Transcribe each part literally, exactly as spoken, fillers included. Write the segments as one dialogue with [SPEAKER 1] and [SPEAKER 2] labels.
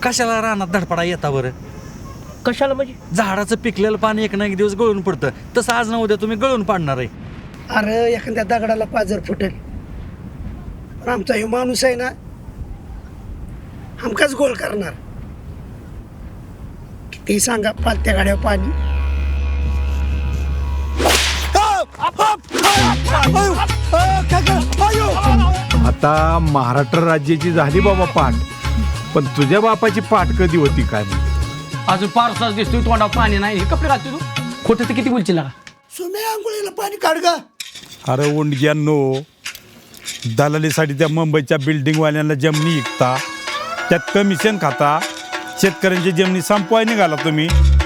[SPEAKER 1] कशाला रानात धडपडा येता बरं?
[SPEAKER 2] कशाला म्हणजे?
[SPEAKER 1] झाडाचं पिकलेलं पाणी एक ना एक दिवस गळून पडतं, तसं आज ना उद्या तुम्ही गळून पाडणार आहे.
[SPEAKER 3] अरे एखाद्या दगडाला पाजर फुटेल, पण आमचा हे माणूस आहे ना हमकाच गोल करणार. किती सांगा पालत्या गाड्यावर पाणी.
[SPEAKER 4] आता महाराष्ट्र राज्याची झाली बाबा पाठ, पण तुझ्या बापाची पाठ कधी होती काय माहिती?
[SPEAKER 2] अजून पारसाच दिसतोय, तोंडावर पाणी नाही. हे कपडे घालतो तू? खोटं तर किती बोलशील का?
[SPEAKER 3] सुमे आंघोळीला पाणी काढ गा.
[SPEAKER 4] अरे उंडग्यांनो, दलालीसाठी त्या मुंबईच्या बिल्डिंगवाल्यांना जमिनी विकता, त्यात कमिशन खाता, शेतकऱ्यांची जमिनी संपवाय निघाला तुम्ही.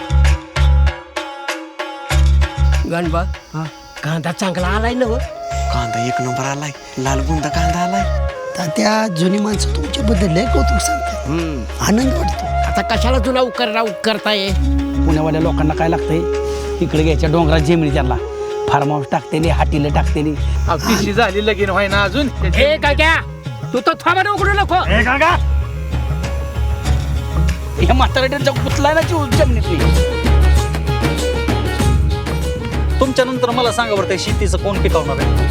[SPEAKER 2] गणबा कांदा चांगला आलाय ना?
[SPEAKER 5] कांदा एक नंबर आलाय, लाल बुंदा कांदा आलाय.
[SPEAKER 3] तर त्या जुनी माणसं तुमच्याबद्दल लय कौतुक सांगतात, आनंद वाटतो.
[SPEAKER 2] आता कशाला तुला उकरला उकरताय? पुण्यावाल्या लोकांना काय लागतंय? तिकडे घ्यायच्या डोंगरात जेमिनी त्यांना फार्म हाऊस टाकतेली, हाटीला झाली लगीन व्हाय ना अजून. हे काय क्या तू तर थांबा उघडू नको. हे म्हाताऱ्याचा कुठला ना जमिनीतली.
[SPEAKER 1] तुमच्या नंतर मला सांगा बरं, त्या शेतीचं कोण पिकवणार आहे?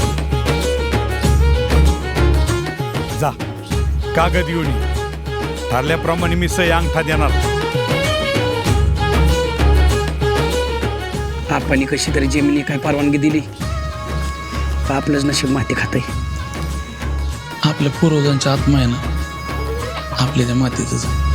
[SPEAKER 4] जा कागद घेऊन ये. ठरल्याप्रमाणे मी सही अंगठा देणार.
[SPEAKER 2] आपण कशी तरी जमिनी काय परवानगी दिली का आपलंच नशीब माती खातंय.
[SPEAKER 6] आपल्या पूर्वजांच्या आत्मा आहे ना आपल्या त्या मातीतच.